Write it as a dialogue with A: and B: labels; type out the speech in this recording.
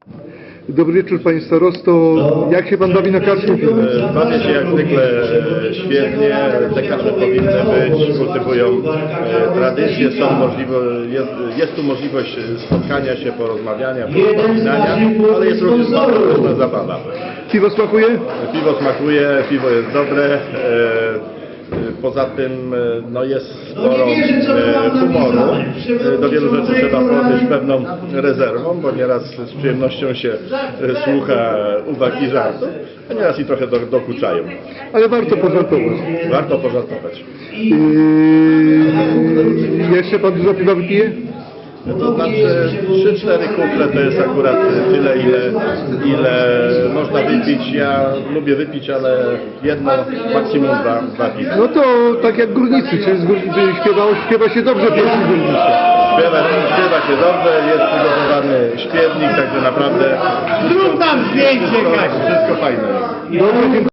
A: Dobry wieczór Panie Starosto. Jak się Pan bawi na kaczku?
B: Bawię się jak zwykle świetnie. Te kacze powinny być, kultywują tradycje, jest tu możliwość spotkania się, porozmawiania, porozmawiania, ale jest również różna zabawa.
A: Piwo smakuje?
B: Piwo smakuje, piwo jest dobre. Poza tym no jest sporo humoru. Do wielu rzeczy trzeba podejść pewną rezerwą, bo nieraz z przyjemnością się słucha uwag i żartów, a nieraz i trochę dokuczają.
A: Ale warto pożartować.
B: Warto pożartować.
A: Jeszcze Pan dużo piwa wypije?
B: To znaczy 3-4 kufle to jest akurat tyle, ile można wypić. Ja lubię wypić, ale jedno, maksimum dwa piwa.
A: No to tak jak górnicy, czy śpiewa się dobrze pieśni górnicze.
B: Śpiewa się dobrze, jest przygotowany śpiewnik, także naprawdę
C: Zrób nam zdjęcie, Kasia.
B: wszystko fajne.
A: Dobrze, dziękuję.